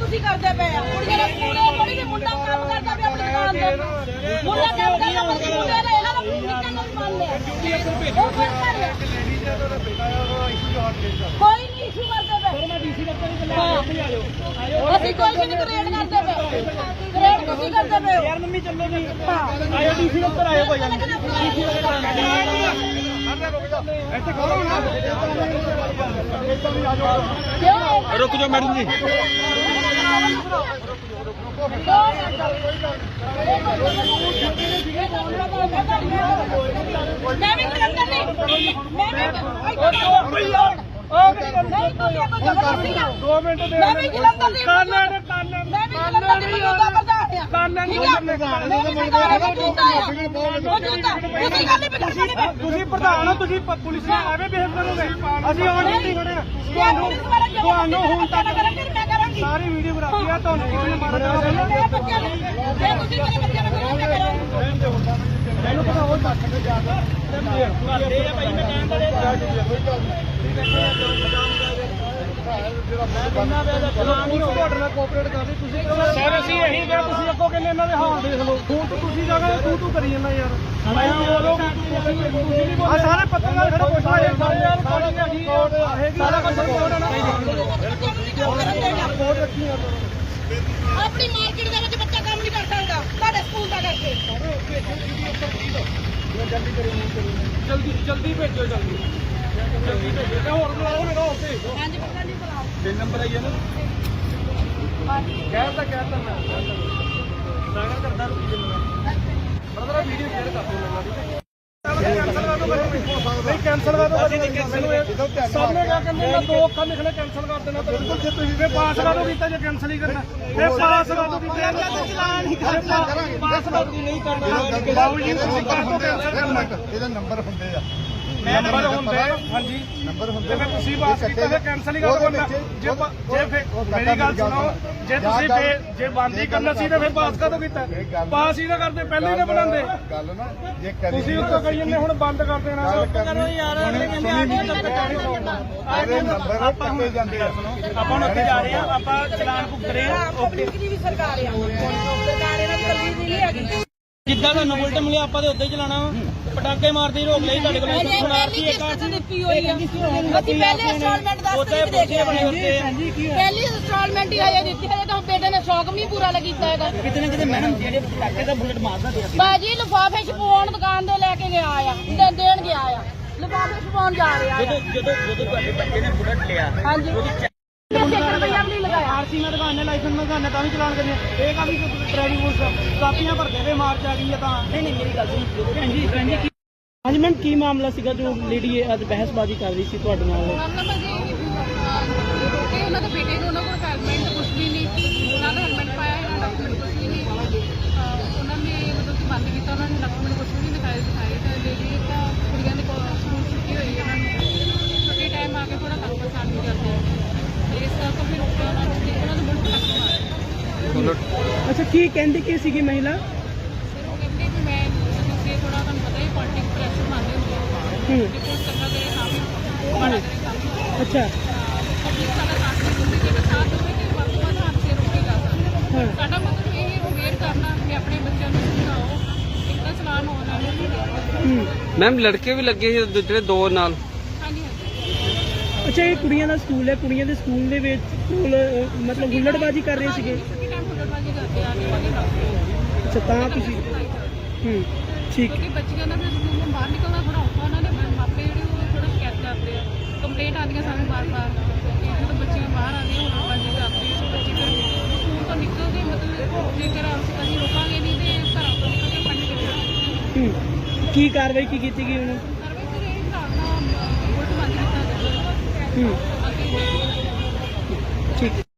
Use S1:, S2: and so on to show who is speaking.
S1: ਤੁਸੀਂ ਕਰਦੇ ਪਏ ਆ ਕੁੜੀਆਂ ਦਾ ਸਕੂਲੇ ਥੋੜੀ ਜਿਹੀ ਮੁੰਡਾ ਕੰਮ ਕਰਦਾ ਪਿਆ ਆਪਣੀ ਦੁਕਾਨ ਤੇ ਮੁੰਡਾ ਕੰਮ ਕਰਦਾ ਮੁੰਡੇ ਦਾ ਇਹਨਾਂ ਦਾ ਨਿਕਲਣ ਨੂੰ ਮੰਨ ਲਿਆ ਕੋਈ ਨਹੀਂ ਇਸ਼ੂ ਕਰਦੇ ਪਏ ਅਸੀਂ ਕੋਈ ਨਹੀਂ ਕ੍ਰੀਏਟ ਕਰਦੇ ਪਏ ਕ੍ਰੀਏਟ ਤੁਸੀਂ ਕਰਦੇ ਪਏ ਯਾਰ ਮੰਮੀ ਚੱਲੋ ਜੀ ਆਇਓ ਡੀਸੀ ਉੱਪਰ ਆਇਓ ਭਾਈ ਇੱਥੇ ਖੜੋ ਨਾ रुक जाओ मैडम जी मैं भी करंदर नहीं मैं भी 2 मिनट दे मैं भी जलंधर नहीं मैं भी जलंधर नहीं होगा प्रधान ਤੁਸੀਂ ਪ੍ਰਧਾਨ ਹੋ ਤੁਸੀਂ ਪੁਲਿਸ ਨਾਲ ਐਵੇਂ ਬਿਹੇਵ ਕਰੋਗੇ ਅਸੀਂ ਆਉਣ ਨਹੀਂ ਖੜੇ ਆ ਤੁਹਾਨੂੰ ਹੁਣ ਤੱਕ ਸਾਰੀ ਵੀਡੀਓ ਬਰਾਬਰ ਆ ਤੁਹਾਨੂੰ ਕਿਸੇ ਨੇ ਮਾਰਾ ਮੈਨੂੰ ਪਤਾ ਹੋਰ ਤੱਕ ਤੇ ਜਾ ਕੇ ਕਰਦੇ ਆ ਭਾਈ ਮੈਂ ਕਹਿਣ ਵਾਲੇ ਕੋਆਪਰੇਟ ਕਰਦੇ ਤੁਸੀਂ ਸਰ ਅਸੀਂ ਇਹੀ ਕਿਹਾ ਤੁਸੀਂ ਅੱਗੋਂ ਕਹਿੰਦੇ ਇਹਨਾਂ ਦੇ ਹਾਲ ਦੇਖ ਲਓ ਹੁਣ ਤੁਸੀਂ ਜਾ ਕੇ ਤੂੰ ਕਰੀ ਜਾਂਦਾ ਯਾਰ ਆ ਸਾਰੇ ਪੱਤਰਕਾਰ ਖੜੇ ਪੁੱਛਣਾ ਯਾਰ ਸਾਰਾ ਕੁਝ ਰਿਪੋਰਟ ਹੈ ਨਾ ਰਿਪੋਰਟ ਰੱਖੀ ਆ ਆਪਣੀ ਮਾਰਕੀਟ ਦੇ ਵਿੱਚ ਬੱਚਾ ਕੰਮ ਨਹੀਂ ਕਰ ਸਕਦਾ ਤੁਹਾਡੇ ਸਕੂਲ ਦਾ ਕਰਕੇ ਜਲਦੀ ਭੇਜੋ ਜਲਦੀ ਭੇਜੋ ਹੋਰ ਬੁਲਾਓ ਮੇਰਾ ਹੋਰ ਤੇ ਹਾਂਜੀ ਪਤਾ ਨਹੀਂ ਬੁਲਾਓ 3 ਨੰਬਰ ਆਈ ਹੈ ਨਾ ਕਹਿਤਾ ਮੈਂ ਸਾਰਾ ਕਰਦਾ ਰੁਕੀ ਜਿੰਨਾ ਬਰਦਰ ਵੀਡੀਓ ਸ਼ੇਅਰ ਕਰ ਦਿਓ ਮੈਨੂੰ ਠੀਕ ਹੈ कैंसल कर दो सामने क्या करने का 2 अखर लिखने कैंसल कर देना तो बिल्कुल जे तुसीं पास कर दो कीता जे कैंसल ही करना ये पास कर दो चलान ही पास कर दो नहीं करना बाबू जी तुसीं कर दो कैंसल करना ਇਹਦਾ ਨੰਬਰ ਹੁੰਦੇ ਆ नंबर ਹੁੰਦੇ ਹਾਂਜੀ ਨੰਬਰ ਹੁੰਦੇ ਫਿਰ ਤੁਸੀਂ ਪਾਸ ਕੀਤਾ ਤੇ ਕੈਂਸਲ ਹੀ ਕਰ ਦੇਣਾ ਜੇ ਫਿਰ ਮੇਰੀ ਗੱਲ ਸੁਣੋ ਜੇ ਤੁਸੀਂ ਜੇ ਬੰਦ ਹੀ ਕਰਨਾ ਸੀ ਤਾਂ ਫਿਰ ਪਾਸ ਕਦੋਂ ਕੀਤਾ ਪਾਸ ਹੀ ਨਾ ਕਰਦੇ ਪਹਿਲੇ ਹੀ ਨਾ ਬਣਾਉਂਦੇ ਗੱਲ ਨਾ ਜੇ ਕਰੀ ਤੁਸੀਂ ਉੱਤੋਂ ਕਹੀ ਜਾਂਦੇ ਹੁਣ ਬੰਦ ਕਰ ਦੇਣਾ ਕਰੋ ਯਾਰ ਅਗਲੇ ਕਹਿੰਦੇ ਆਗੇ ਨੰਬਰ ਕੱਟੇ ਜਾਂਦੇ ਆ ਆਪਾਂ ਹੁਣ ਉੱਥੇ ਜਾ ਰਹੇ ਆ ਆਪਾਂ ਚਲਾਨ ਭੁਗਤ ਰਹੇ ਆ ਪਬਲਿਕ ਦੀ ਵੀ ਸਰਕਾਰ ਆ ਸਰਕਾਰ ਇਹਨਾਂ ਦੀ ਕੱਲੀ ਦੀ ਨਹੀਂ ਹੈਗੀ ਜਿੱਦਾਂ ਤੁਹਾਨੂੰ ਬੁਲਟ ਮਿਲਿਆ ਆਪਾਂ ਤੇ ਉੱਦਾਂ ਹੀ ਚਲਾਣਾ ਪਟਾਕੇ ਮਾਰਦੇ ਰੋਕ ਲਈ ਤੁਹਾਡੇ ਕੋਲ ਸੁਣਾਰਤੀ ਇੱਕ ਦਿੱਤੀ ਹੋਈ ਆ ਅਸੀਂ ਪਹਿਲੇ ਇੰਸਟਾਲਮੈਂਟ 10 ਤਰੀਕ ਦੇ ਕੇ ਪਹਿਲੀ ਇੰਸਟਾਲਮੈਂਟ ਹੀ ਆਇਆ ਦਿੱਤੀ ਹੈ ਤਾਂ ਬੇਟੇ ਨੇ ਸ਼ੌਕ ਵੀ ਨਹੀਂ ਪੂਰਾ ਕੀਤਾ ਹੈਗਾ ਕਿਤੇ ਨਾ ਕਿਤੇ ਮੈਡਮ ਜਿਹੜੇ ਪਟਾਕੇ ਦਾ ਬੁਲਟ ਮਾਰਦਾ ਬਾਜੀ ਲਿਫਾਫੇ ਛਪਾਉਣ ਦੁਕਾਨ ਦੇ ਲੈ ਕੇ ਗਿਆ ਆ ਦੇਣ ਗਿਆ ਆ ਲਿਫਾਫੇ ਛਪਾਉਣ ਜਾ ਰਿਹਾ ਆ ਜਦੋਂ ਤੁਹਾਡੇ ਬੱਚੇ ਨੇ ਬੁਲਟ ਲਿਆ ਹਾਂਜੀ आरसी में दुकान लाइसेंस में दुकान भी चलान करने एक भी ड्राइविंग कापियां भरते हुए मार्च आ गई है नहीं मेरी गल हाँ जी मैम की मामला सीगा जो लेडी अज बहसबाजी कर रही थी ਤੁਹਾਡੇ ਨਾਲ ਉਹਨਾਂ ਦੇ ਬੇਟੇ ਨੂੰ ਉਹਨਾਂ ਕੋਲ ਹੈਲਮਟ ਕੁਝ ਵੀ ਨਹੀਂ ਉਹਨਾਂ ਦਾ ਹੈਲਮਟ ਪਾਇਆ ਇਹਨਾਂ ਡਾਕੂਮੈਂਟ ਕੁਝ ਵੀ ਨਹੀਂ ਉਹਨਾਂ ਨੇ ਮਤਲਬ ਕਿ ਬੰਦ ਕੀਤਾ ਉਹਨਾਂ ਨੇ ਡਾਕੂਮੈਂਟ ਕੁਝ ਵੀ ਦਿਖਾਏ ਤਾਂ ਲੇਡੀ ਤਾਂ ਕੁੜੀਆਂ ਦੇ ਕੋਲ ਸਕੂਲ ਛੁੱਟੀ ਹੋਈ ਉਹਨਾਂ ਨੂੰ ਛੁੱਟੀ ਟਾਈਮ ਆ ਕੇ ਥੋੜਾ ਕੰਮ ਪਸੰਦ ਨਹੀਂ ਕਰਦੇ अच्छा की कहती की सी महिला कहती कि मैं थोड़ा पता ही पॉलिटिक्स प्रेशर मानते अच्छा मतलब ये अवेयर करना कि अपने बच्चों को समझाओ इतना चलान होना मैम लड़के भी लगे दूसरे 2 नाल अच्छा ये कुड़ियां ਦਾ ਸਕੂਲ ਹੈ ਕੁੜੀਆਂ ਦੇ ਸਕੂਲ ਦੇ ਵਿੱਚ ਮਤਲਬ ਹੁੱਲੜਬਾਜ਼ੀ ਕਰ ਰਹੇ ਸੀਗੇ ਅੱਛਾ ਤਾਂ ਤੁਸੀਂ ਠੀਕ ਹੈ ਬੱਚਿਆਂ ਦਾ ਸਕੂਲ ਤੋਂ ਬਾਹਰ ਨਿਕਲਣਾ ਥੋੜਾ ਔਖਾ ਉਹਨਾਂ ਦੇ ਮਾਪੇ ਜਿਹੜੇ ਉਹ ਥੋੜਾ ਸ਼ਿਕਾਇਤ ਕਰਦੇ ਆ ਕੰਪਲੇਂਟ ਆਉਂਦੀਆਂ ਸਾਨੂੰ ਬਾਰ-ਬਾਰ ਜਦੋਂ ਬੱਚੇ ਬਾਹਰ ਆਉਂਦੇ ਹੁੱਲੜਬਾਜ਼ੀ ਕਰਦੇ ਆ ਬੱਚੇ ਫਿਰ ਸਕੂਲ ਤੋਂ ਨਿਕਲਦੇ ਮਤਲਬ ਜੇਕਰ ਅਸੀਂ ਰੋਕਾਂਗੇ ਨਹੀਂ ਤੇ ਘਰਾਂ ਤੋਂ ਨਿਕਲ ਕੇ ਪੜ੍ਹਨ ਕਿਵੇਂ ਕੀ ਕਾਰਵਾਈ ਕੀ ਕੀਤੀ ਗਈ ਉਹਨੂੰ ठीक